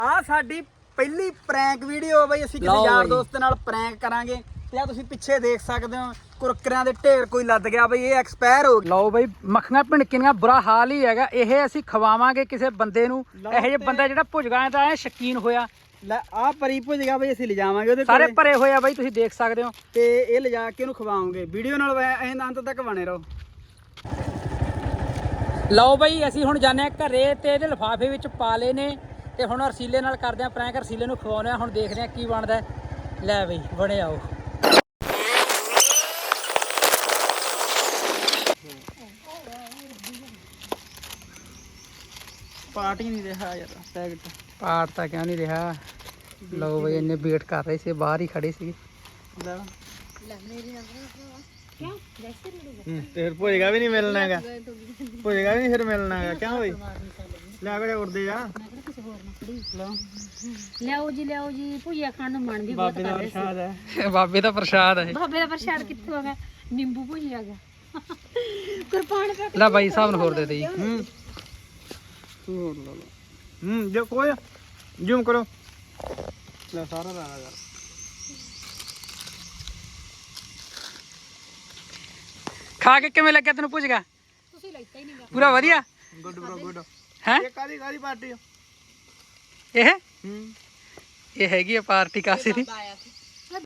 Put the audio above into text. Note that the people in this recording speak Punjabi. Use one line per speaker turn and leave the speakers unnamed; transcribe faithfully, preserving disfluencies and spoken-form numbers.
ਆ ਸਾਡੀ ਪਹਿਲੀ ਪ੍ਰੈਂਕ ਵੀਡੀਓ ਬਈ ਅਸੀਂ ਕਿਸੇ ਯਾਰ ਦੋਸਤ ਨਾਲ ਪ੍ਰੈਂਕ ਕਰਾਂਗੇ ਤੇ ਆ ਤੁਸੀਂ ਪਿੱਛੇ ਦੇਖ ਸਕਦੇ ਹੋ ਕੁਰਕਰਿਆਂ ਦੇ ਢੇਰ ਕੋਈ ਲੱਦ ਗਿਆ ਬਈ ਇਹ ਐਕਸਪਾਇਰ ਹੋ ਗਿਆ।
ਲਓ ਬਈ ਮੱਖੀਆਂ ਭਿਣਕੀਆਂ ਬੁਰਾ ਹਾਲ ਹੀ ਹੈਗਾ। ਇਹ ਅਸੀਂ ਖਵਾਵਾਂਗੇ ਕਿਸੇ ਬੰਦੇ ਨੂੰ। ਇਹੋ ਜਿਹੇ ਬੰਦਾ ਜਿਹੜਾ ਭੁਜਗਾ ਦਾ ਐ ਸ਼ਕੀਨ ਹੋਇਆ।
ਲੈ ਆ ਪਰੀ ਭੁਜ ਗਿਆ ਬਈ ਅਸੀਂ ਲਿਜਾਵਾਂਗੇ ਉਹਦੇ
ਸਾਰੇ ਭਰੇ ਹੋਏ ਆ ਬਈ ਤੁਸੀਂ ਦੇਖ ਸਕਦੇ ਹੋ
ਤੇ ਇਹ ਲਿਜਾ ਕੇ ਉਹਨੂੰ ਖਵਾਵਾਂਗੇ। ਵੀਡੀਓ ਨਾਲ ਐਂ ਅੰਤ ਤੱਕ ਬਣੇ ਰਹੋ।
ਲਓ ਬਈ ਅਸੀਂ ਹੁਣ ਜਾਂਦੇ ਆ ਘਰੇ ਤੇ ਇਹਦੇ ਲਿਫਾਫੇ ਵਿੱਚ ਪਾ ਲਏ ਨੇ ਤੇ ਹੁਣ ਰਸੀਲੇ ਨਾਲ ਕਰਦੇ ਆ ਪ੍ਰੈਂਕ। ਰਸੀਲੇ ਨੂੰ ਖਵਾਉਂਦੇ ਆ। ਹੁਣ ਦੇਖਦੇ ਆ ਕੀ ਬਣਦਾ। ਲੈ ਬਈ ਬਣੇ ਆਓ।
ਪਾਰਟੀ ਨਹੀਂ ਰਿਹਾ ਯਾਰ ਪੈਕਟ
ਪਾਰ ਤਾਂ ਕਿਉਂ ਨਹੀਂ ਰਿਹਾ। ਲਓ ਬਈ ਇੰਨੇ ਵੇਟ ਕਰ ਰਹੇ ਸੀ ਬਾਹਰ ਹੀ ਖੜੇ ਸੀ।
ਫਿਰ ਭੁਜੇਗਾ ਵੀ ਨਹੀਂ ਮਿਲਣਾ ਹੈਗਾ। ਭੁਜੇਗਾ ਵੀ ਨਹੀਂ ਫਿਰ ਮਿਲਣਾ ਹੈਗਾ ਕਿਉਂ ਬਈ ਲੈ ਕੇ ਉੜਦੇ ਆ।
ਲਿਆਓ ਜੀ ਲਿਆਓ ਜੀ ਭੁਜੀਆ ਖਾਣ ਨੂੰ ਮਨ ਵੀ ਬਹੁਤ
ਬਾਬੇ ਦਾ ਪ੍ਰਸ਼ਾਦ ਹੈ।
ਬਾਬੇ ਦਾ ਪ੍ਰਸ਼ਾਦ ਹੈ।
ਬਾਬੇ ਦਾ ਪ੍ਰਸ਼ਾਦ ਕਿੱਥੋਂ ਆ ਗਿਆ? ਨਿੰਬੂ ਭੁਜੀਆ ਗਿਆ ਕੁਰਬਾਨ ਕਰ।
ਲੈ ਬਾਈ ਸਾਹਿਬ ਨੂੰ ਹੋਰ ਦੇ ਦੇ ਜੀ।
ਹੂੰ ਹੋਰ ਲਾ ਲਓ। ਹੂੰ ਜੋ ਕੋਈ ਜ਼ੂਮ ਕਰੋ। ਲੈ ਸਾਰਾ ਲਾ ਯਾਰ।
ਖਾ ਕੇ ਕਿਵੇਂ ਲੱਗਿਆ ਤੈਨੂੰ ਭੁਜਗਾ?
ਤੁਸੀਂ ਲੈਤਾ ਹੀ ਨਹੀਂਗਾ।
ਪੂਰਾ ਵਧੀਆ।
Good bro good.
ਹੈ
ਇਹ ਕਾਦੀ ਕਾਦੀ ਪਾਰਟੀ
ਇਹ
ਹੂੰ
ਇਹ ਹੈਗੀ ਆ ਪਾਰਟੀ ਕਾਸੇ ਦੀ।
ਆਇਆ ਸੀ